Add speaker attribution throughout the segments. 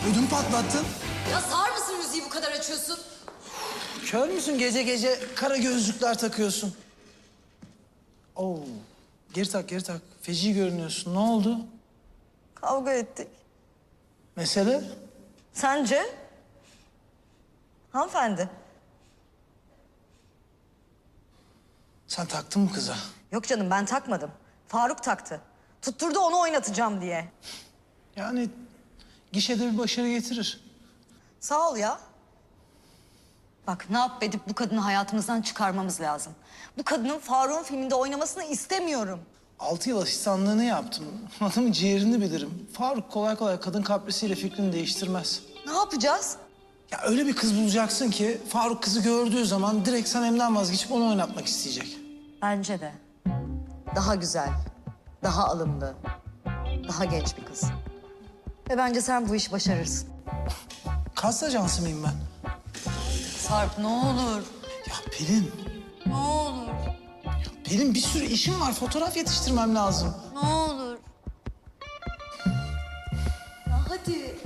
Speaker 1: Ödüm patlattın.
Speaker 2: Ya sağır mısın müziği bu kadar açıyorsun?
Speaker 1: Kör müsün gece gece kara gözlükler takıyorsun? Oo. Geri tak, geri tak. Feci görünüyorsun. Ne oldu?
Speaker 3: Kavga ettik.
Speaker 1: Mesele?
Speaker 3: Sence? Hanımefendi.
Speaker 1: Sen taktın mı kıza?
Speaker 3: Yok canım ben takmadım. Faruk taktı. Tutturdu onu oynatacağım diye.
Speaker 1: Yani gişede bir başarı getirir.
Speaker 3: Sağ ol ya. Bak ne yap edip bu kadını hayatımızdan çıkarmamız lazım. Bu kadının Faruk'un filminde oynamasını istemiyorum.
Speaker 1: 6 yıl asistanlığını yaptım. Adamın ciğerini bilirim. Faruk kolay kolay kadın kaprisiyle fikrini değiştirmez.
Speaker 3: Ne yapacağız?
Speaker 1: Ya öyle bir kız bulacaksın ki Faruk kızı gördüğü zaman direkt Sanem'den vazgeçip onu oynatmak isteyecek.
Speaker 3: Bence de. Daha güzel, daha alımlı, daha genç bir kız. Ve bence sen bu işi başarırsın.
Speaker 1: Kas ajansı mıyım ben?
Speaker 3: Sarp ne olur,
Speaker 1: Ya Pelin,
Speaker 3: ne olur,
Speaker 1: Pelin bir sürü işim var. Fotoğraf yetiştirmem lazım.
Speaker 3: ne olur. Ya hadi.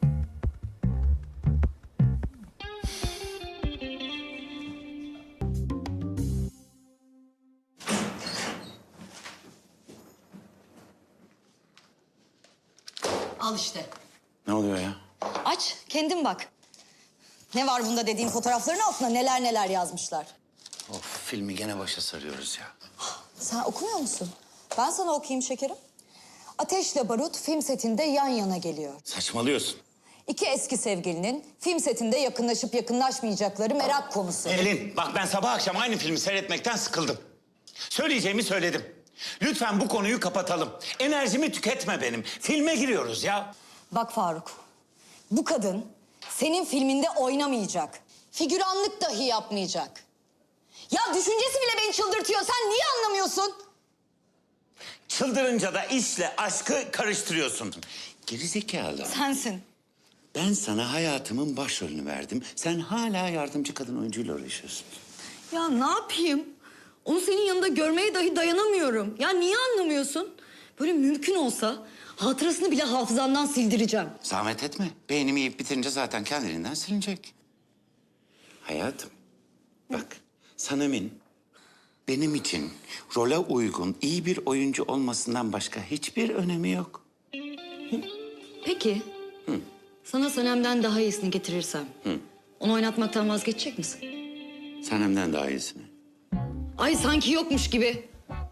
Speaker 2: Al işte.
Speaker 4: Ne oluyor ya?
Speaker 3: Aç, kendin bak. Ne var bunda dediğin fotoğrafların altına neler neler yazmışlar.
Speaker 4: Of, filmi gene başa sarıyoruz ya.
Speaker 3: Sen okumuyor musun? Ben sana okuyayım şekerim. Ateşle Barut film setinde yan yana geliyor.
Speaker 4: Saçmalıyorsun.
Speaker 3: İki eski sevgilinin film setinde yakınlaşıp yakınlaşmayacakları merak konusu.
Speaker 4: Elin, bak ben sabah akşam aynı filmi seyretmekten sıkıldım. Söyleyeceğimi söyledim. Lütfen bu konuyu kapatalım. Enerjimi tüketme benim. Filme giriyoruz ya.
Speaker 3: Bak Faruk, bu kadın senin filminde oynamayacak. Figüranlık dahi yapmayacak. Ya düşüncesi bile beni çıldırtıyor. Sen niye anlamıyorsun?
Speaker 4: Çıldırınca da işle aşkı karıştırıyorsun. Gerizekalı.
Speaker 3: Sensin.
Speaker 4: Ben sana hayatımın başrolünü verdim. Sen hala yardımcı kadın oyuncuyla uğraşıyorsun.
Speaker 3: Ya ne yapayım? Onu senin yanında görmeye dahi dayanamıyorum. Ya niye anlamıyorsun? Böyle mümkün olsa hatırasını bile hafızandan sildireceğim.
Speaker 4: Zahmet etme. Beynimi yiyip bitirince zaten kendiliğinden silinecek. Hayatım, bak Sanem'in benim için role uygun, iyi bir oyuncu olmasından başka hiçbir önemi yok.
Speaker 3: Peki. Sana Sanem'den daha iyisini getirirsem. Onu oynatmaktan vazgeçecek misin?
Speaker 4: Sanem'den daha iyisini.
Speaker 3: Ay sanki yokmuş gibi.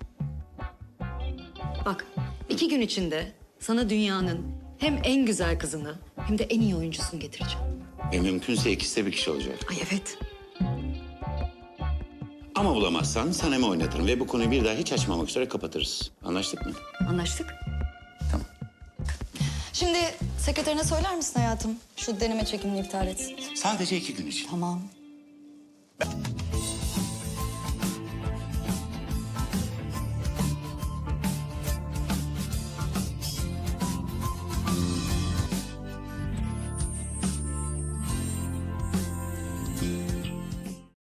Speaker 3: Bak 2 gün içinde sana dünyanın hem en güzel kızını hem de en iyi oyuncusunu getireceğim.
Speaker 4: Mümkünse ikisi de bir kişi olacak.
Speaker 3: Ay evet.
Speaker 4: Ama bulamazsan Sanem'i oynatırım ve bu konuyu bir daha hiç açmamak üzere kapatırız. Anlaştık mı?
Speaker 3: Anlaştık.
Speaker 4: Tamam.
Speaker 3: Şimdi sekreterine söyler misin hayatım? Şu deneme çekimini iptal etsin.
Speaker 4: Sadece 2 gün için.
Speaker 3: Tamam.